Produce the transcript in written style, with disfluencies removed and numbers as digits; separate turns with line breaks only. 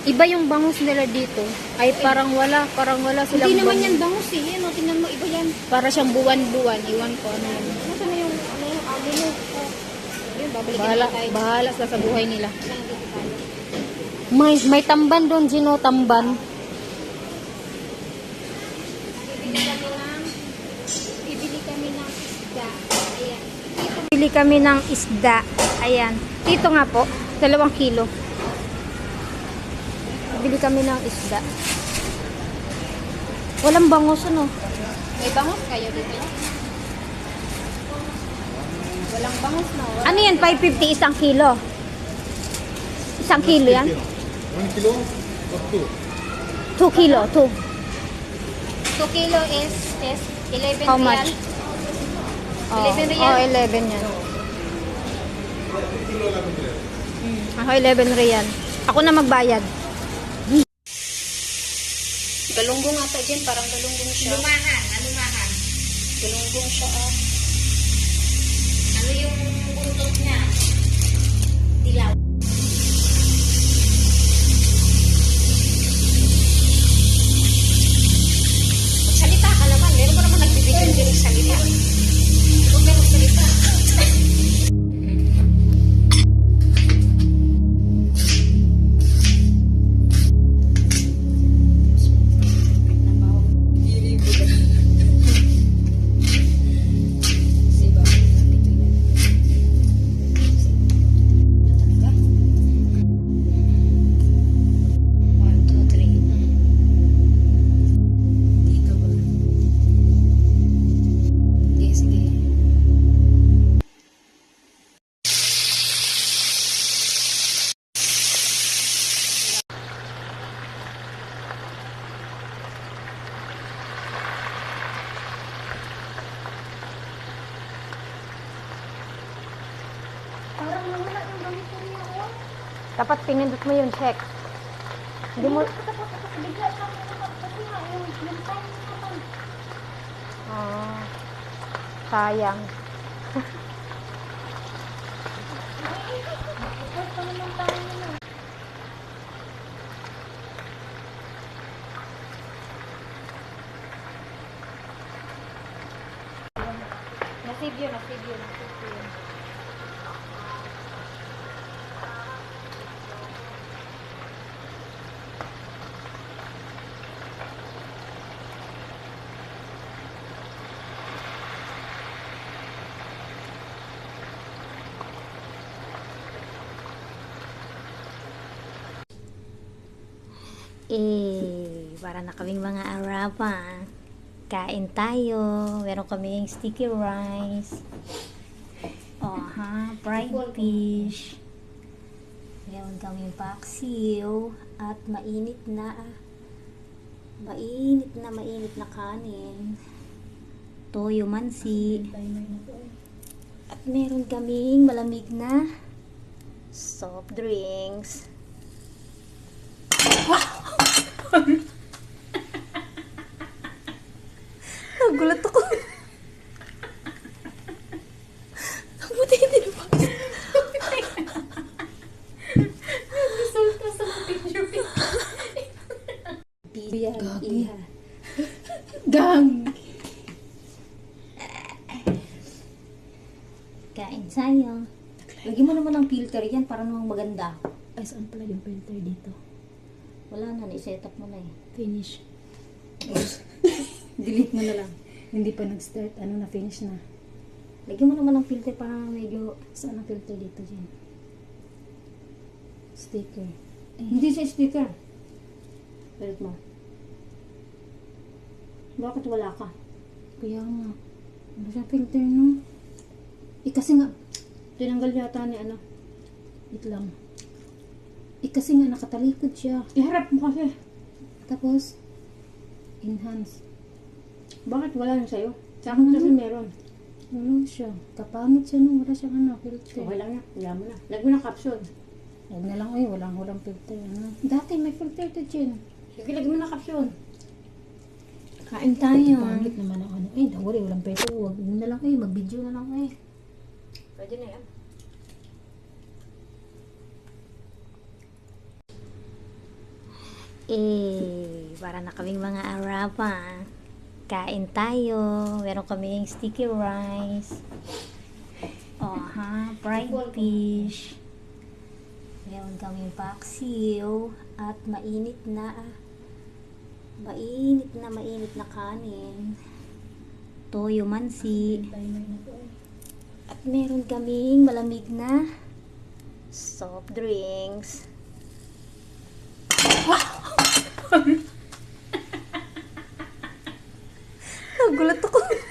Iba yung bangus nila dito. Ay, parang wala silang
Hindi naman
bangus.
yan bangus eh. Yan, o, tingnan mo, iba yan.
Para siyang buwan-buwan. Iwan ko ano yan.
Nasaan na yung, abo mo? Oh. Yun, babalikin
Bahala,
na tayo.
bahala sa buhay nila.
Lang dito tayo.
May tamban doon, Gino, tamban.
Bibili kami ng isda. Ayan.
Bili kami ng isda. Ayan. Dito nga po, 2 kilo. Bili kami ng isda. Walang bangus, ano?
May bangus kayo dito? Walang bangus na.
Ano yan? 550 isang kilo? Isang kilo yan?
1 kilo or 2?
2 kilo, 2.
2 kilo is 11
How
real.
much?
11 real.
11 yan. Ako 11 real. Ako na magbayad.
Galunggong ata dyan, parang galunggong siya. Alumahan. Galunggong siya, oh. Ano yung buntot niya? Dilaw. Magsalita ka naman. Meron ba naman nagbibigay ng galing salita? Huwag ka magsalita. Parang nawala yung gamit ko niya, oh.
Dapat pinindot mo yung check. Hindi mo...
Bigla sa akin naman. Kasi nga, yung time naman.
Ah, sayang.
Ipos pa naman tayo naman. Nasave yun.
Para na kaming mga arapa. Kain tayo. Meron kaming sticky rice. Fried fish. Meron kaming paksiw. At mainit na kanin. Toyo mansi. At meron kaming malamig na soft drinks. Nagulat ako. Buti hindi ba?
Resulta sa picture.
Iha.
Gang!
Kain tayo. Lagyan mo naman ng filter yan para namang maganda.
Ay, saan pala yung filter dito?
Wala na, i-set up mo na eh.
Finish. Delete mo na lang. Hindi pa nag-start. Na finish na.
Lagyan mo naman ng filter para medyo...
Saan ang filter dito dyan? Sticker.
Hindi siya sticker. Palit mo. Bakit wala ka?
Kaya nga. Ano siya filter no? Kasi nga, tinanggal yata ni Wait lang. Kasi nga nakatalikod siya. Iharap mo kasi. Tapos, enhance.
Bakit wala na sa'yo? Sa akin kasi meron.
Ano siya? Kapangit siya no? Wala siyang filter.
Okay lang yan. Wala mo na. Lagyan mo ng capsule.
Huwag na lang walang filter. Dati may filter to dyan.
Sige, lagyan mo ng capsule.
Kain tayo. Pangit naman ang walang filter. Huwag na lang mag-video na lang
Pwede na yan. Para na kaming mga Arapan. Kain tayo. Meron kaming sticky rice. Fried fish. Meron kaming paksiw. At mainit na kanin. Toyo mansi. At meron kaming malamig na soft drinks. Nagulat ako.